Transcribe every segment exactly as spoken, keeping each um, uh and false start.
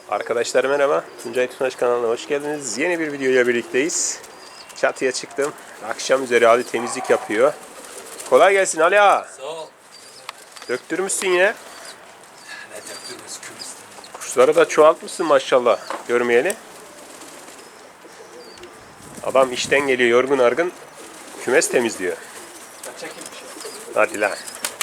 Arkadaşlar merhaba. Tuncay Tunaş kanalına hoş geldiniz. Yeni bir videoyla birlikteyiz. Çatıya çıktım. Akşam üzeri Ali temizlik yapıyor. Kolay gelsin Ali ağa. Sağ ol. Döktürmüşsün yine. Ne döktürmüş kümüsten. Kuşları da çoğaltmışsın maşallah. Görmeyeli. Adam işten geliyor yorgun argın. Kümes temizliyor. Kaçak imiş. Hadi lan.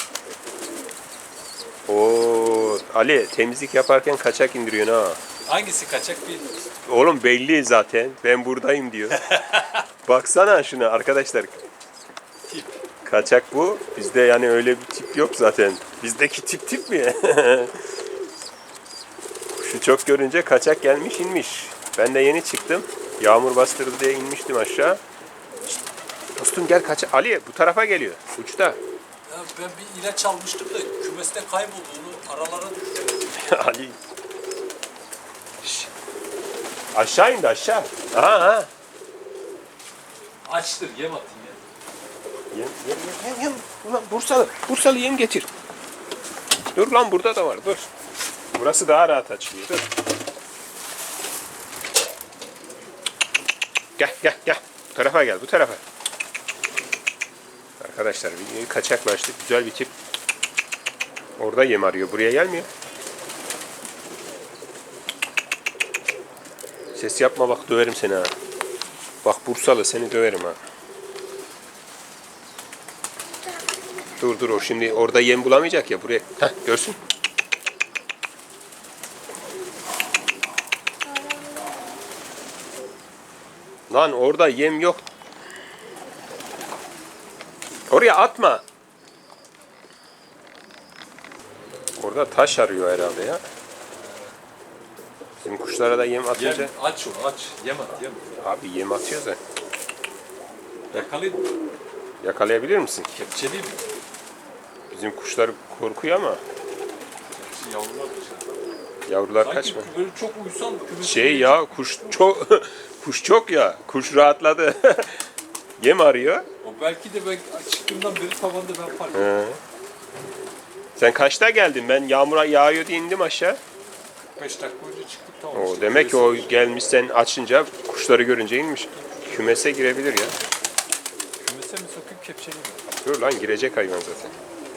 Oo, Ali temizlik yaparken kaçak indiriyorsun ha. Hangisi kaçak bilmiyoruz. Oğlum belli zaten. Ben buradayım diyor. Baksana şuna arkadaşlar. Tip. Kaçak bu. Bizde yani öyle bir tip yok zaten. Bizdeki tip tip mi? Şu çok görünce kaçak gelmiş inmiş. Ben de yeni çıktım. Yağmur bastırdı diye inmiştim aşağı. Şişt, dostum gel kaçak. Ali bu tarafa geliyor. Uçta. Ya ben bir ilaç almıştım da kümeste kaybolduğunu aralara düştü. Ali. Şişt. Aşağı indi aşağı. Aha, aha. Açtır yem atayım ya. Yem, yem, yem, yem. Ulan Bursalı, Bursalı yem getir. Dur lan burada da var, dur. Burası daha rahat açılıyor, dur. Gel, gel, gel. Bu tarafa gel, bu tarafa. Arkadaşlar videoyu kaçaklaştık. Güzel bir tip. Orada yem arıyor, buraya gelmiyor. Ses yapma bak, döverim seni ha. Bak Bursalı, seni döverim ha. Dur dur o şimdi orada yem bulamayacak ya buraya. Heh, görsün. Lan orada yem yok. Oraya atma. Orada taş arıyor herhalde ya. Bizim kuşlara da yem atınca. Yem, aç onu aç. Yem at yem. Abi yem atıyoruz da. Yakalayın. Yakalayabilir misin? Kepçeliyim. Bizim kuşlar korkuyor ama Şu yavrular dışarıda. yavrular Sanki kaçma. böyle çok uysan kümesi. Şey ya kuş çok kuş çok ya. Kuş rahatladı. Yem arıyor. O belki de ben çıktığımdan beri tavanda ben fark ettim. He. Sen kaçta geldin? Ben yağmura yağıyor diye indim aşağı. beş dakika önce çıktık tamam. O işte. demek ki o Kümesi- gelmiş sen açınca kuşları görünce inmiş. Kümese girebilir ya. Kümese mi sokup kepçeliyim? Dur lan girecek hayvan zaten.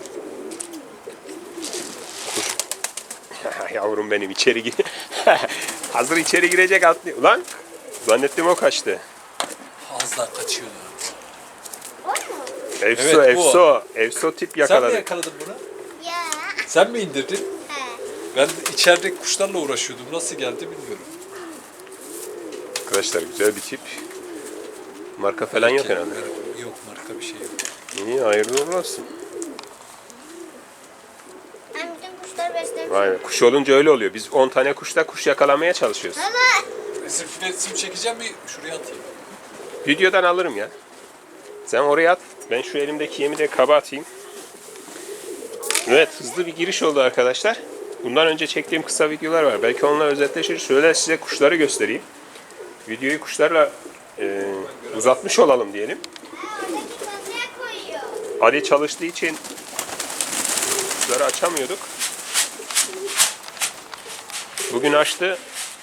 Kuş. Yavrum benim içeri gir. Hazır içeri girecek atlıyor. Ulan zannettim o kaçtı. Az daha kaçıyordu. Efso Evet, bu efso. Efso tip Sen mi yakaladı. yakaladın bunu? Ya. Sen mi indirdin? He. Ben de içeride kuşlarla uğraşıyordum. Nasıl geldi bilmiyorum. Arkadaşlar güzel bir tip. Marka falan yok herhalde. Yok marka bir şey yok. İyi hayırlı uğurlu olsun. Ben bütün kuşları beslemişim. Vay be, kuş olunca öyle oluyor. Biz on tane kuşla kuş yakalamaya çalışıyoruz. Baba. Resim, resim çekeceğim bir şuraya atayım. Videodan alırım ya. Sen oraya at. Ben şu elimdeki yemi de kaba atayım. Evet hızlı bir giriş oldu arkadaşlar. Bundan önce çektiğim kısa videolar var. Belki onunla özetleşir. Şöyle size kuşları göstereyim. Videoyu kuşlarla e, uzatmış olalım diyelim. Oradaki masaya koyuyor. Ali çalıştığı için kuşları açamıyorduk. Bugün açtı.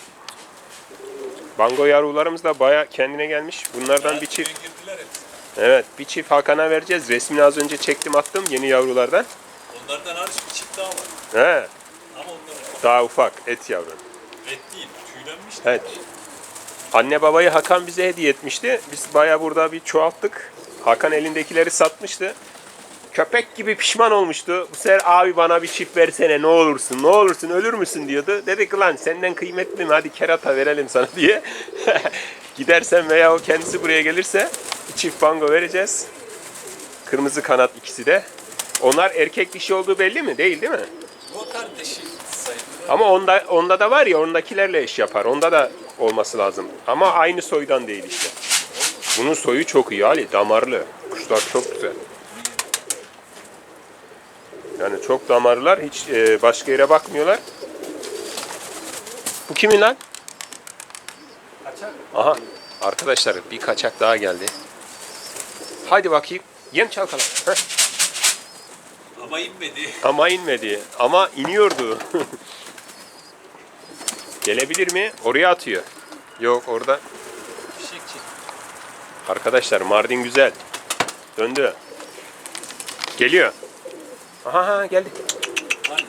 Bango yavrularımız da baya kendine gelmiş. Bunlardan bir çift. Girdiler hepsi. Evet bir çift Hakan'a vereceğiz. Resmini az önce çektim attım yeni yavrulardan. Onlardan hariç bir çift daha var. He, Ama onlar daha ufak et yavru. et değil. Tüylenmiş. Evet. Anne babayı Hakan bize hediye etmişti. Biz baya burada bir çoğalttık. Hakan elindekileri satmıştı. Köpek gibi pişman olmuştu. Bu sefer abi bana bir çift versene ne olursun ne olursun ölür müsün diyordu. Dedik lan senden kıymetli mi hadi kerata verelim sana diye. Gidersen veya o kendisi buraya gelirse bir çift bango vereceğiz. Kırmızı kanat ikisi de. Onlar erkek dişi olduğu belli mi? Değil değil mi? Bu kardeşi sayılır. Ama onda onda da var ya ondakilerle eş yapar. Onda da olması lazım. Ama aynı soydan değil işte. Bunun soyu çok iyi Ali. Damarlı. Kuşlar çok güzel. Yani çok damarlılar. Hiç e, başka yere bakmıyorlar. Bu kimin lan? Kaçak. Aha. Arkadaşlar bir kaçak daha geldi. Haydi bakayım. Yem çalkala. Heh. Ama inmedi. Ama inmedi. Ama iniyordu. Gelebilir mi? Oraya atıyor. Yok orada. Fişekçi. Arkadaşlar Mardin güzel. Döndü. Geliyor. Aha ha, geldi. Hani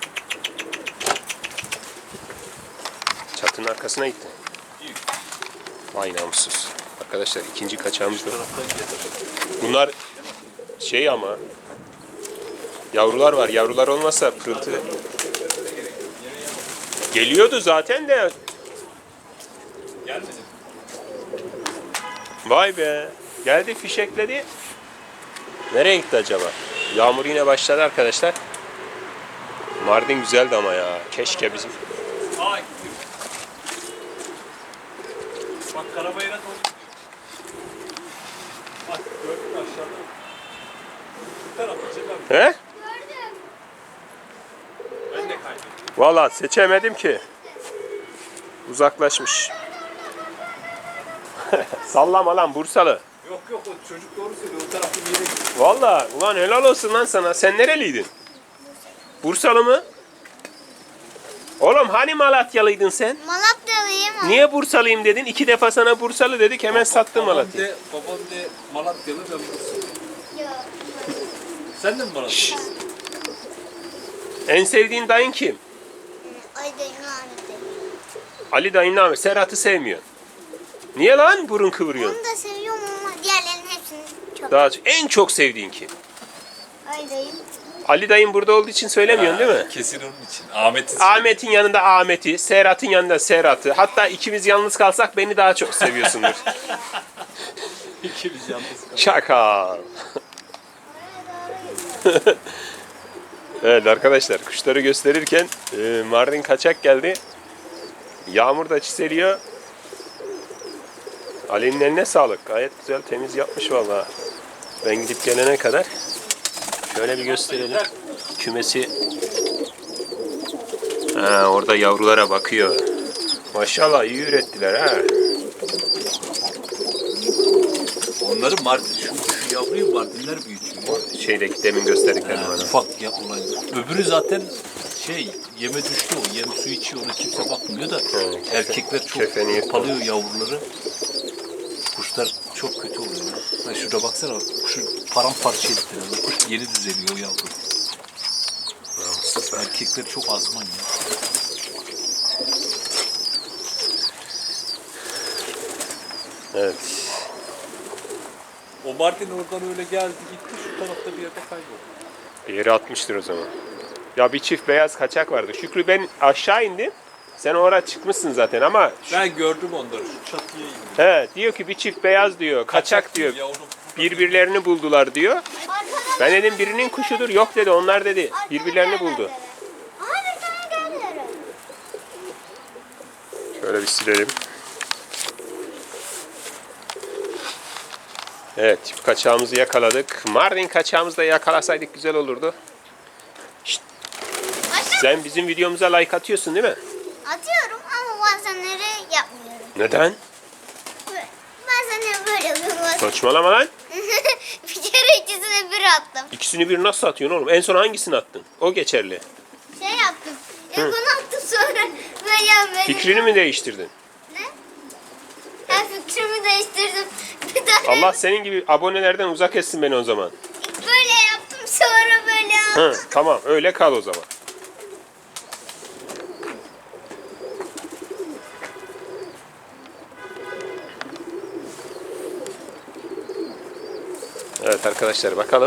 Çatının arkasına gitti. büyük. Vay namussuz. Arkadaşlar ikinci kaçağımız da. Taraftan gelir. Bunlar şey ama yavrular var. Yavrular olmasa pırıltı. Geliyordu zaten de. Gelmedi. Vay be. Geldi fişekledi. Nereye gitti acaba? Yağmur yine başladı arkadaşlar. Mardin güzeldi ama ya. Keşke bizim. Aa gitti. Bak karabayıra doğru gidiyor. Bak gördün mü aşağıda? Bu tarafa Celal. He? Gördüm. Ben de kaybettim. Valla seçemedim ki. Uzaklaşmış. Sallama lan Bursalı. Yok yok o çocuk doğru söylüyor. O tarafta bir yere gitti. Valla ulan helal olsun lan sana. Sen nereliydin? Bursalı mı? Oğlum hani Malatyalıydın sen? Malatyalıyım. Niye Bursalıyım dedin? İki defa sana Bursalı dedik hemen sattın Babam Malatya'yı. de, babam de Malatyalı ben Bursalı. Yok. Sen de mi Malatyalı? En sevdiğin dayın kim? Ay dayım lanetli. Ali dayın Ahmet. Serhat'ı sevmiyor. Niye lan burun kıvırıyorsun? Onu da seviyorum ama diğerlerinin hepsini çok. Daha en çok sevdiğin kim? Ay dayım. Ali dayın burada olduğu için söylemiyorsun değil mi? Kesin onun için. Ahmet'in Ahmet'in yanında Ahmet'i, Serhat'ın yanında Serhat'ı. Hatta ikimiz yalnız kalsak beni daha çok seviyorsundur. İkimiz yalnız kaldık. Şaka. Evet arkadaşlar kuşları gösterirken e, Mardin kaçak geldi. Yağmur da çiseliyor. Ali'nin eline sağlık. Gayet güzel temiz yapmış vallahi. Ben gidip gelene kadar şöyle bir gösterelim. Kümesi. Ha, orada yavrulara bakıyor. Maşallah iyi ürettiler ha. Onları Mardin, şu, şu yavruyu Mardinler büyütüyor. Şeydeki demin gösterdiklerim Yani bana. ufak ya olay. Öbürü zaten şey yeme düştü o. Yem su içiyor ona kimse bakmıyor da Evet. erkekler çok Kefeni yırtıyor. palıyor yavruları. Kuşlar çok kötü oluyor. Ha şurada baksana bak kuşu paramparça ettiler. Bak, kuş yeni düzeliyor o yavru. Erkekler çok azman ya. Evet. O Mardin oradan öyle geldi gitti şu tarafta bir yerde kayboldu. Bir yere atmıştır o zaman. Ya bir çift beyaz kaçak vardı. Şükrü ben aşağı indim. Sen oraya çıkmışsın zaten ama şu- Ben gördüm onları şu çatıya indim. he, diyor ki bir çift beyaz diyor. Kaçak diyor. Yavrum. Birbirlerini buldular diyor. Arkada Ben dedim birinin kuşudur. Yok dedi onlar dedi. Birbirlerini buldu. Aha bir tane geldiler. Şöyle bir silelim. Evet çift kaçağımızı yakaladık. Mardin kaçağımızı da yakalasaydık güzel olurdu. Şşt, sen bizim videomuza like atıyorsun değil mi? Atıyorum ama bazenleri yapmıyorum. Neden? Bazen böyle yapıyorum. bazen- Saçmalama lan. Bir kere ikisini bir attım. İkisini bir nasıl atıyorsun oğlum? En son hangisini attın? O geçerli. Şey yaptım. İlk onu attım sonra böyle böyle. Fikrini mi değiştirdin? Ne? Ben fikrimi değiştirdim. Bir tane Allah senin gibi abonelerden uzak etsin beni o zaman. böyle yaptım sonra böyle Hı, yaptım. tamam öyle kal o zaman. Evet arkadaşlar bakalım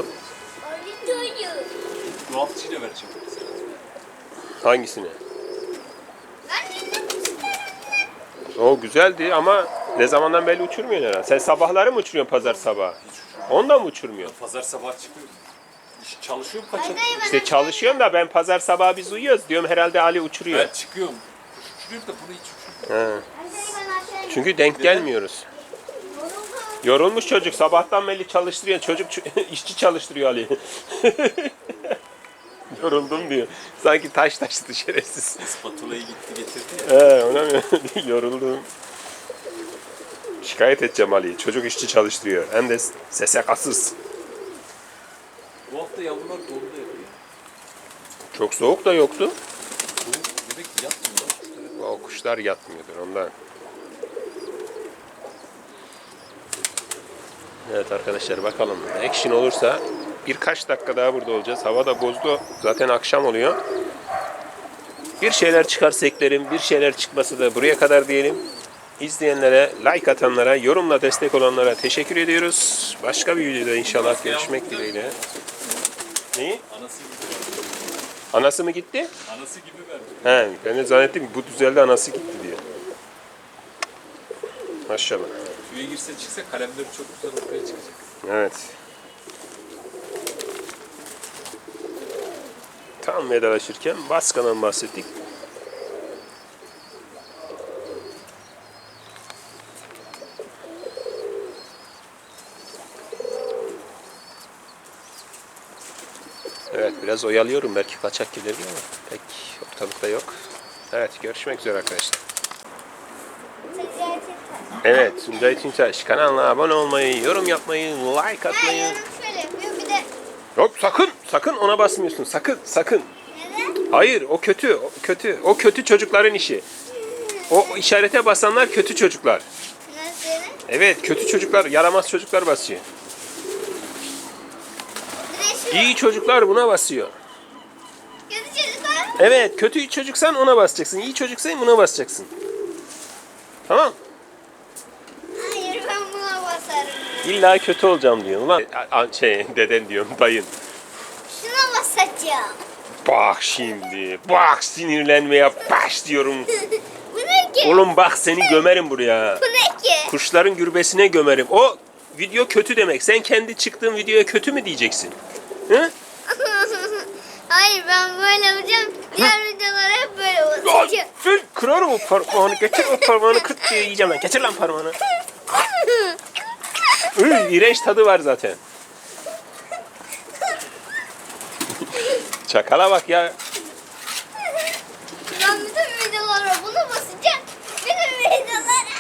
Dolapçıyla vereceğim. hangisini? Ben de isterim. O güzeldi ama ne zamandan belli uçurmuyorsun herhalde. Sen sabahları mı uçuruyorsun pazar sabahı? Onda mı uçurmuyorsun? Pazar sabah çıkıyorum. İş çalışıyorum kaça? İşte çalışıyorum da ben pazar sabahı biz uyuyoruz diyorum herhalde Ali uçuruyor. Ben çıkıyorum. Kuş uçuruyorum da bunu hiç uçurmuyorum. He. Çünkü denk gelmiyoruz. Yorulmuş çocuk sabahtan beri çalıştırıyor. Çocuk ç- işçi çalıştırıyor Ali. Yoruldum diyor. Sanki taş taştı şerefsiz. Spatulayı gitti getirdi ya. He ona mı? Yoruldum. Şikayet edeceğim Ali'yi. Çocuk işçi çalıştırıyor. Hem de S S K'sız. Bu hafta yavrular dondu yapıyor. Çok soğuk da yoktu. Soğuk demek ki yatmıyorlar. Kuşlara O kuşlar yatmıyordur ondan. Evet arkadaşlar bakalım. Action olursa birkaç dakika daha burada olacağız. Hava da bozdu. Zaten akşam oluyor. Bir şeyler çıkarsa eklerim. Bir şeyler çıkması da buraya kadar diyelim. İzleyenlere, like atanlara, yorumla destek olanlara teşekkür ediyoruz. Başka bir videoda inşallah görüşmek dileğiyle. Neyi? Anası gibi. Anası mı gitti? Anası gibi verdi. He, ben de zannettim ki bu düzelde anası gitti diye. Maşallah. Suya girse çıksa kalemleri çok güzel ortaya çıkacak. Evet. Tam vedalaşırken Baska'dan bahsettik. Evet biraz oyalıyorum belki kaçak gelir diye ama pek ortalıkta yok. Evet görüşmek üzere arkadaşlar. Evet Tuncay Tüntaş kanalına abone olmayı, yorum yapmayı, like Ha, atmayı. yorum şöyle yapıyor bir de. Hop sakın sakın ona basmıyorsun sakın sakın. Neden? Hayır o kötü o kötü o kötü çocukların işi. O işarete basanlar kötü çocuklar. Nasıl? Evet kötü çocuklar yaramaz çocuklar basıyor. Bir de şu. İyi çocuklar buna basıyor. Kötü çocuklar. Evet kötü çocuksan ona basacaksın. İyi çocuksan buna basacaksın. Tamam. Hayır ben buna basarım. İlla kötü olacağım diyor. Ulan a- a- şey deden diyorum dayın. Şuna basacağım. Bak şimdi. Bak sinirlenmeye başlıyorum. Bu ne ki? Oğlum bak seni gömerim buraya. Bu ne ki? Kuşların gürbesine gömerim. O video kötü demek. Sen kendi çıktığın videoya kötü mü diyeceksin? Hı? Hayır ben böyle yapacağım. Diğer videolara hep böyle Ay, basacağım. Fil kırarım o parmağını. Getir o parmağını kırt diye yiyeceğim ben. Getir lan parmağını. Üy, iğrenç tadı var zaten. Çakala bak ya. Ben bütün videolara bunu basacağım. Bütün videolara.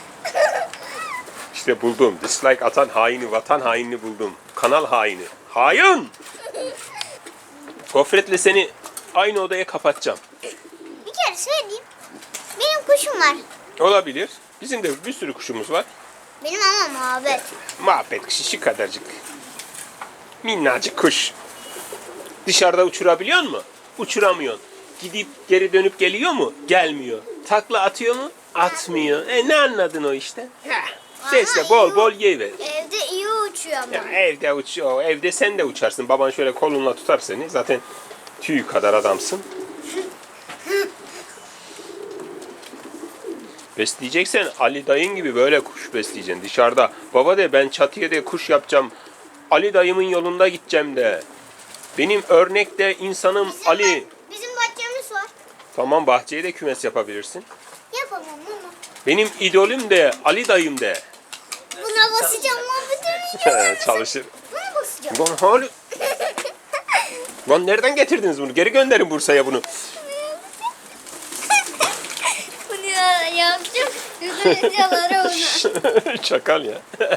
İşte buldum. Dislike atan haini, vatan hainini buldum. Kanal haini. Hain! Gofretle seni aynı odaya kapatacağım. Bir kere söyleyeyim. Benim kuşum var. Olabilir. Bizim de bir sürü kuşumuz var. Benim ama muhabbet. Muhabbet kuşu şu kadarcık. Minnacık kuş. Dışarıda uçurabiliyor mu? Uçuramıyorsun. Gidip geri dönüp geliyor mu? Gelmiyor. Takla atıyor mu? Atmıyor. E ne anladın o işte? Heh. Sesle bol bol yiyiver. Evde iyi uçuyor ama. Ya evde uçuyor. Evde sen de uçarsın. Baban şöyle kolunla tutar seni. Zaten tüy kadar adamsın. Besleyeceksen Ali dayın gibi böyle kuş besleyeceksin dışarıda. Baba de ben çatıya de kuş yapacağım. Ali dayımın yolunda gideceğim de. Benim örnekte insanım Bizim Ali. bah- bizim bahçemiz var. Tamam bahçeye de kümes yapabilirsin. Yapamam ama. Benim idolüm de Ali dayım de. Buna basacağım lan bütün videoları. Çalışır. Buna basacağım. Lan hali. Lan nereden getirdiniz bunu? Geri gönderin Bursa'ya bunu. Bunu ya- yapacağım. Bütün videoları onu. Çakal ya.